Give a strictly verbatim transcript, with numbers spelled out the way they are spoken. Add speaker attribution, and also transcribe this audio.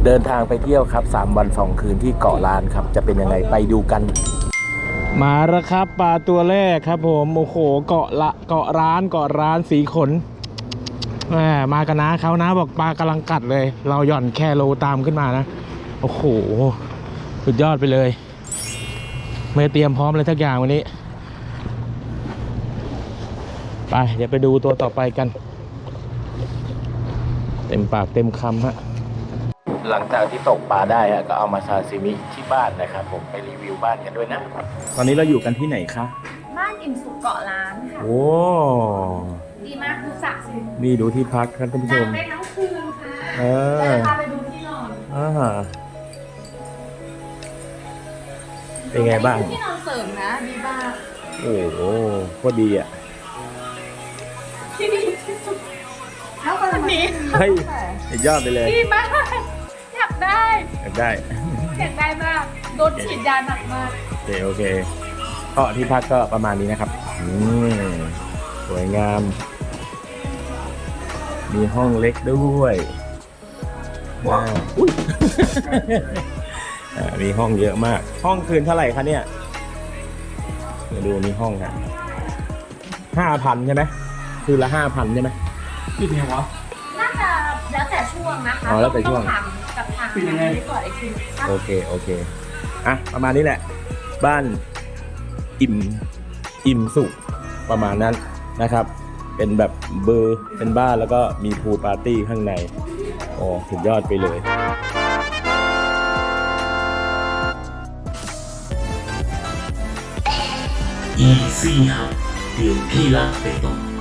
Speaker 1: เดินทางไปเที่ยวครับสามวันสองคืนที่เกาะล้านครับจะเป็นยังไงไปดูกันมาแล้วครับปลาตัวแรกครับผมโอ้โหเกาะละเกาะร้านเกาะร้านสีขนแหมมากันนะเขานะบอกปลากำลังกัดเลยเราหย่อนแคโลตามขึ้นมานะโอ้โหสุดยอดไปเลยไม่เตรียมพร้อมเลยทุกอย่างวันนี้ไปเดี๋ยวไปดูตัวต่อไปกันเต็มปากเต็มคำฮะหลังจากที่ตกปลาได้ฮะก็เอามาซาซิมิที่บ้านนะครับผมไปรีวิวบ้านกันด้วยนะตอนนี้เราอยู่กันที่ไหนคะ
Speaker 2: บ้านอิ่มสุขเกาะล้านค่ะ
Speaker 1: โอ้
Speaker 2: ดีมากดูสระสิ
Speaker 1: นี่ดูที่พักครับท่านผู้ชม
Speaker 2: ได้ทั้งคืนค่ะ
Speaker 1: เออ
Speaker 2: พาไปดูที่นอน
Speaker 1: อ่าเป็นไงบ้าง
Speaker 2: ที่นอนเสริมนะดีมาก
Speaker 1: โอ้โหโคตรดีอ่ะ
Speaker 2: ที่ดีที่สุดแล้วคนนี้
Speaker 1: เฮ้ยยอดไปเลย
Speaker 2: ดีมากอยากได้
Speaker 1: อยากได้
Speaker 2: อยากได้มากโดนฉีดยาหนักมาก
Speaker 1: โอเคโอเคก็ที่พักก็ประมาณนี้นะครับอืมสวยงามมีห้องเล็กด้วยว้าวอุ้ยมีห้องเยอะมากห้องคืนเท่าไหร่คะเนี่ยมาดูมีห้องค่ะห้าพันใช่ไหมคืนละห้าพันใช่ไหม
Speaker 2: คิดไงวะน่าจะแล้วแต่ช่วงนะคะ
Speaker 1: อ๋อแล้วแต่ช่วง
Speaker 2: กับทางนี้ก่อนไอ้คิว
Speaker 1: โอเคโอเคอ่ะประมาณนี้แหละบ้านอิ่มอิ่มสุขประมาณนั้นนะครับเป็นแบบเบอร์เป็นบ้านแล้วก็มีพูลปาร์ตี้ข้างในโอ้สุดยอดไปเลย
Speaker 3: อีซี่ครับเดี๋ยวพี่ลากไปตรง